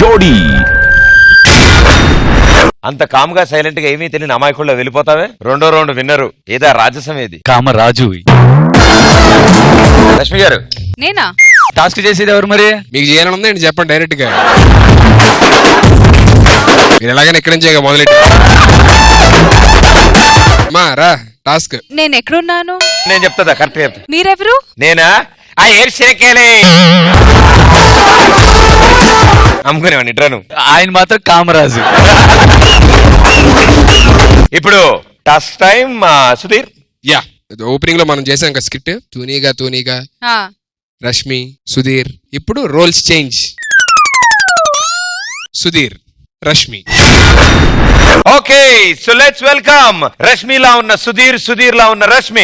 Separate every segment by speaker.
Speaker 1: జోడీ.
Speaker 2: అంత కామ్గా సైలెంట్ గా ఏమీ తెలియని అమాయకుల్లో వెళ్ళిపోతావే. రెండో రౌండ్ విన్నరు ఏదా రాజసం ఏది?
Speaker 3: కామరాజు.
Speaker 2: లక్ష్మి గారు
Speaker 4: నేనా
Speaker 3: టాస్క్ చేసేది ఎవరు మరి?
Speaker 5: మీకు చేయాలని ఉందండి చెప్పండి డైరెక్ట్ గా. మీరు ఎలాగైనా ఎక్కడి నుంచి మొదలెట్టి మా రా టాస్క్.
Speaker 4: నేను ఎక్కడున్నాను?
Speaker 2: నేను చెప్తా కరెక్ట్ చెప్తా.
Speaker 4: మీరెవరు?
Speaker 2: నేనా ఆ ఏడ్చినకేలే అమ్ముకునేవాడిని ఇట్రాను.
Speaker 3: ఆయన మాత్రం కామరాజు.
Speaker 2: ఇప్పుడు task time. Sudheer.
Speaker 5: Yeah opening లో మనం చేసాం కదా స్కిట్ తూనీగా
Speaker 4: ఆ,
Speaker 5: రష్మి సుధీర్. ఇప్పుడు roles change. Sudheer Rashmi.
Speaker 2: Okay so let's welcome రష్మిలా ఉన్న సుధీర్, సుధీర్ లా ఉన్న రష్మి.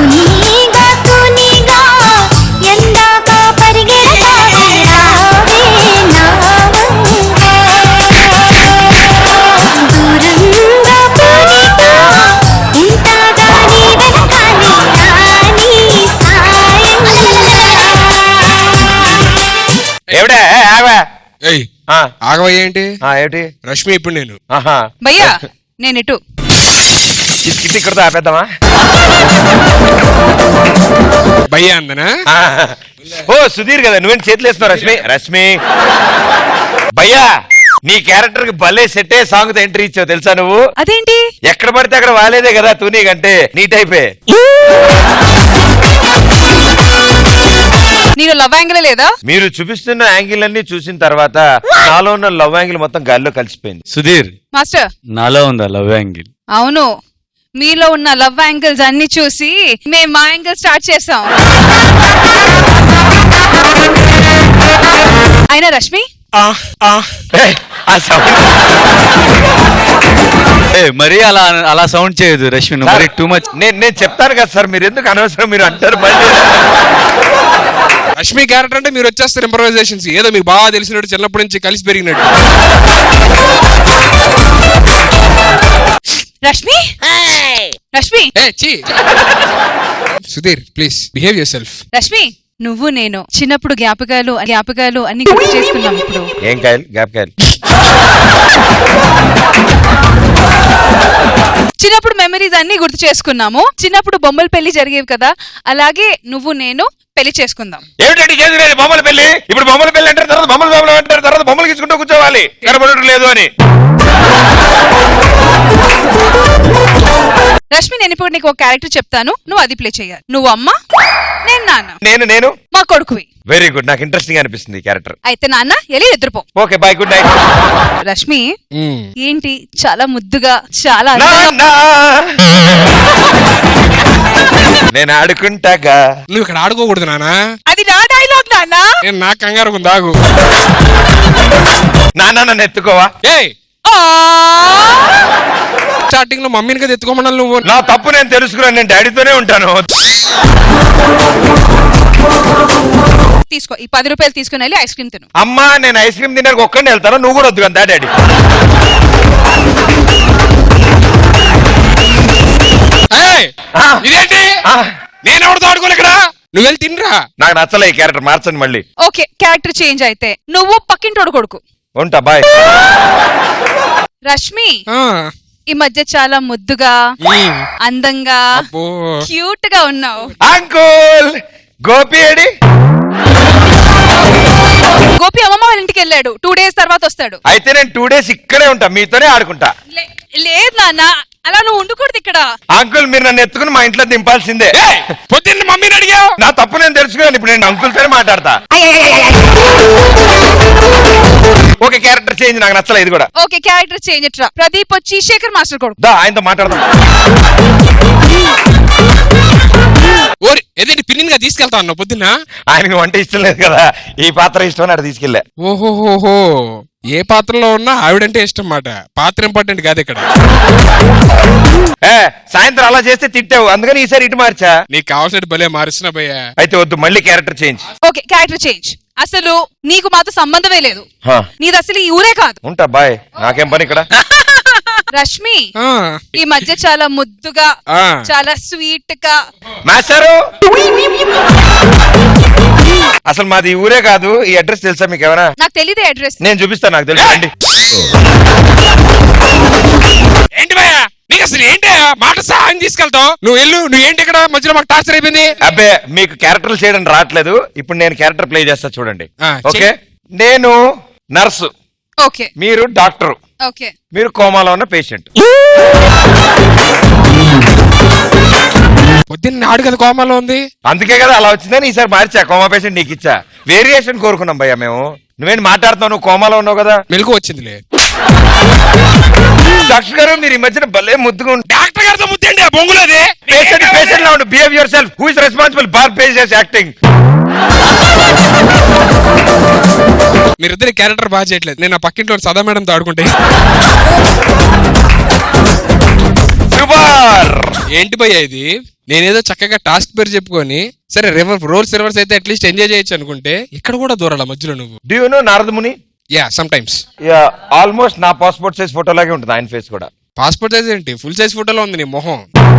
Speaker 2: ఎవడే ఆగవా?
Speaker 5: ఏయ్
Speaker 2: ఆ,
Speaker 5: ఆగవయ్య ఏంటి?
Speaker 2: ఏమిటి
Speaker 5: రష్మి ఇప్పుడు నేను.
Speaker 2: ఆహా
Speaker 4: భయ్యా నేను ఇటు.
Speaker 2: ఈ స్కిట్ ఇక్కడతో ఆపేద్దామా?
Speaker 5: భయ్యా అందనా?
Speaker 2: ఓ సుధీర్ కదా నువ్వేం చేతులు వేస్తున్నావు? రష్మి రష్మి భయ్యా నీ క్యారెక్టర్ కి భలే సెట్ అయ్యే సాంగ్ తో ఎంట్రీ ఇచ్చావు తెలుసా నువ్వు?
Speaker 4: అదేంటి?
Speaker 2: ఎక్కడ పడితే అక్కడ వాలేదే కదా తూనీ కంటే నీ టైపే.
Speaker 4: నేను లవ్ యాంగిల్ లేదా?
Speaker 2: మీరు చూపిస్తున్న యాంగిల్ అన్ని చూసిన తర్వాత నాలో ఉన్న లవ్ యాంగిల్ మొత్తం గాల్లో కలిసిపోయింది.
Speaker 3: సుధీర్
Speaker 4: మాస్టర్
Speaker 3: నాలో ఉందా లవ్ యాంగిల్?
Speaker 4: అవును, మీలో ఉన్న లవ్ యాంగిల్స్ అన్ని చూసి మేము మా యాంగిల్ స్టార్ట్ చేసాం. అయినా రష్మి
Speaker 2: ఏయ్, ఆ sound.
Speaker 3: మరీ అలా సౌండ్ చేయదు రష్మి, నువ్వు మరీ టూ మచ్.
Speaker 2: నేను చెప్తాను కదా సార్, మీరు ఎందుకు అనవసరం మీరు అంటారు మళ్ళీ.
Speaker 5: రష్మి క్యారెక్టర్ అంటే మీరు వచ్చేస్తారు ఇంప్రవైజేషన్స్. ఏదో మీకు బాగా తెలిసినట్టు చిన్నప్పటి నుంచి కలిసి పెరిగినట్టు.
Speaker 4: Rashmi Rashmi
Speaker 5: Sudheer please behave yourself.
Speaker 4: Rashmi నువ్వు నేను చిన్నప్పుడు జ్ఞాపకాలు అన్ని గుర్తు చేసుకున్నాం. ఇప్పుడు
Speaker 2: ఏం కాయలు జ్ఞాపకాయలు?
Speaker 4: చిన్నప్పుడు మెమరీస్ అన్ని గుర్తు చేసుకున్నాము. చిన్నప్పుడు బొమ్మల పెళ్లి జరిగేవి కదా, అలాగే నువ్వు నేను పెళ్లి చేసుకుందాం.
Speaker 2: ఏమిటంటే చేసుకునేది బొమ్మల పెళ్లి? ఇప్పుడు బొమ్మల పెళ్లి అంటారు, తర్వాత బొమ్మలు అంటారు, తర్వాత బొమ్మలు తీసుకుంటూ కూర్చోవాలి. కనబడటం లేదు అని.
Speaker 4: రష్మి నేను ఇప్పుడు నీకు ఒక క్యారెక్టర్ చెప్తాను, నువ్వు అది ప్లే చేయాలి. నువ్వు అమ్మ, నేను నాన్న.
Speaker 2: నేను
Speaker 4: మా కొడుకువి.
Speaker 2: వెరీ గుడ్, నాకు ఇంట్రెస్టింగ్ అనిపిస్తుంది ఈ క్యారెక్టర్.
Speaker 4: అయితే నాన్న ఎలి నిద్రపో.
Speaker 2: Okay bye, good night.
Speaker 4: Rashmi ఏంటి చాలా ముద్దుగా చాలా
Speaker 2: నేను ఆడుకుంటాగా.
Speaker 5: నువ్వు ఇక్కడ ఆడుకోకూడదు నానా.
Speaker 4: అది నా డైలాగ్ నాన్న.
Speaker 5: నేను నాకు కంగారు దాగు.
Speaker 2: నాన్న నన్ను ఎత్తుకోవా?
Speaker 5: ఏయ్ స్టార్టింగ్ లో మమ్మీని కదా ఎత్తుకోమన్నాను నువ్వు.
Speaker 2: నా తప్పు నేను తెలుసుకున్నాను, నేను డాడీతోనే ఉంటాను.
Speaker 4: తీసుకో ఈ 10 రూపాయలు తీసుకుని వెళ్ళి ఐస్ క్రీమ్ తిను.
Speaker 2: అమ్మా నేను ఐస్ క్రీమ్ తినడానికి ఒక్కడిని వెళ్తాను, నువ్వు కూడా వద్దు కదా డాడీ.
Speaker 5: ఇదేంటి నేను ఎవరితో ఆడుకోలే ఇక్కడ, నువ్వు వెళ్ళి తినరా.
Speaker 2: నాకు నచ్చలే ఈ క్యారెక్టర్, మార్చండి మళ్ళీ.
Speaker 4: ఓకే క్యారెక్టర్ చేంజ్ అయితే నువ్వు పక్కింటోడు కొడుకు.
Speaker 2: ఉంటా బాయ్.
Speaker 4: రష్మి ఈ మధ్య చాలా ముద్దుగా అందంగా క్యూట్ గా ఉన్నావు.
Speaker 2: Uncle Gopi AD?
Speaker 4: గోపి అమ్మమ్మ వాళ్ళ ఇంటికి వెళ్ళాడు, 2 days తర్వాత వస్తాడు.
Speaker 2: అయితే నేను 2 days ఇక్కడే ఉంటా, మీతోనే ఆడుకుంటా.
Speaker 4: లేదు నాన్న అలా నువ్వు ఉండకూడదు ఇక్కడ.
Speaker 2: అంకుల్ మీరు నన్ను ఎత్తుకుని మా ఇంట్లో దింపాల్సిందే.
Speaker 5: పొద్దున్న మమ్మీని అడిగావు.
Speaker 2: నా తప్పు నేను తెలుసుకున్నాను, ఇప్పుడు నేను అంకుల్ తోనే మాట్లాడతా. ఓకే క్యారెక్టర్ చేంజ్, నాకు నచ్చలే ఇది కూడా.
Speaker 4: ఓకే క్యారెక్టర్ చేంజ్ ఇట్రా. ప్రదీప్ వచ్చి శేఖర్ మాస్టర్ కొడుకు.
Speaker 2: దా ఆయనతో మాట్లాడదాం.
Speaker 5: ఓరి ఏదైనా పిన్నిన్ గా తీసుకెళ్తా అన్నావు పొద్దున్న.
Speaker 2: ఆయనకి వంట ఇష్టం లేదు కదా, ఈ పాత్ర ఇష్టం అని అక్కడ తీసుకెళ్ళా.
Speaker 5: ఓహోహోహో ఏ పాత్రలో ఉన్నా ఆవిడంటే ఇష్టం మాట, పాత్ర ఇంపార్టెంట్ కాదు ఇక్కడ.
Speaker 2: సాయంత్రం అలా చేస్తే తిట్టావు, అందుకని ఈసారి ఇటు మార్చా.
Speaker 5: నీకు కావాల్సినట్టు భలే మారుస్తున్నా భయ్యా.
Speaker 2: అయితే వద్దు, మళ్ళీ character change.
Speaker 4: Okay character change. అసలు నీకు మాతో సంబంధమే లేదు, నీది అసలు ఈ ఊరే కాదు.
Speaker 2: ఉంటా బాయ్, నాకేం పని ఇక్కడ.
Speaker 4: రష్మి
Speaker 5: ఆ,
Speaker 4: ఈ మధ్య చాలా ముద్దుగా
Speaker 5: ఆ.
Speaker 4: చాలా స్వీట్ గా
Speaker 2: మాస్టారు అసలు మాది ఈ ఊరే కాదు, ఈ అడ్రస్ తెలుసా మీకు ఏమైనా?
Speaker 4: నాకు తెలియదు అడ్రస్.
Speaker 2: నేను చూపిస్తాను, నాకు తెలుసు అండి.
Speaker 5: ఏంటి భయ్యా నీకు అసలు ఏంటి మాట సహాయం తీసుకెళ్తావు? నువ్వు వెళ్ళు, నువ్వు ఏంటి ఇక్కడ మధ్యలో మాకు టార్చర్ అయిపోయింది.
Speaker 2: అబ్బే మీకు క్యారెక్టర్లు చేయడం రావట్లేదు, ఇప్పుడు నేను క్యారెక్టర్ ప్లే చేస్తా చూడండి.
Speaker 5: ఆ,
Speaker 2: ఓకే, నేను నర్సు,
Speaker 4: ఓకే
Speaker 2: మీరు డాక్టరు,
Speaker 4: ఓకే
Speaker 2: మీరు కోమాలో ఉన్న పేషెంట్.
Speaker 5: పొద్దున్న నాడు కదా కోమాలో ఉంది.
Speaker 2: అందుకే కదా అలా వచ్చిందని ఈసారి మార్చా, కోమా పేషెంట్ నీకు ఇచ్చా. వేరియేషన్ కోరుకున్నాం భయ్యా మేము. నువ్వేంటి మాట్లాడుతావు, నువ్వు కోమాలో ఉన్నావు కదా.
Speaker 5: మెలకు వచ్చిందిలే.
Speaker 2: డాక్టర్ గారు మీరు ఈ మధ్యన భలే ముద్దుగా
Speaker 5: డాక్టర్ గారితో ముద్దండి ఆ బొంగులది.
Speaker 2: పేషెంట్ లా ఉండు. Behave yourself. Who is responsible for patients acting?
Speaker 5: మీరిద్దరి క్యారెక్టర్ బాగా చేయట్లేదు. నేను ఆ పక్కింట్లో సదా మేడంతో ఆడుకుంటే.
Speaker 2: సూపర్.
Speaker 5: ఏంటి భయ్యా ఇది? నేనేదో చక్కగా టాస్క్ పేరు చెప్పుకొని సరే రోల్స్ రివర్స్ అయితే అట్లీస్ట్ ఎంజాయ్ చేయొచ్చు అనుకుంటే ఇక్కడ కూడా దూరాల మధ్యలో నువ్వు.
Speaker 2: Do you know Naradamuni?
Speaker 5: Yeah sometimes.
Speaker 2: Yeah, almost నా పాస్పోర్ట్ సైజ్ ఫోటో లాగే ఉంటుంది ఆయన ఫేస్ కూడా.
Speaker 5: పాస్పోర్ట్ సైజ్ ఏంటి, ఫుల్ సైజ్ ఫోటోలో ఉంది నీ మొహం.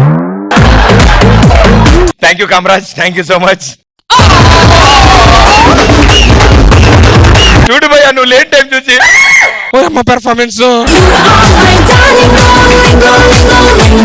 Speaker 2: Thank you Kamaraj, thank you so much. చూడు భయ్యా నువ్వు లేట్ టైం చూసి
Speaker 5: ఓ అమ్మ పెర్ఫార్మెన్స్.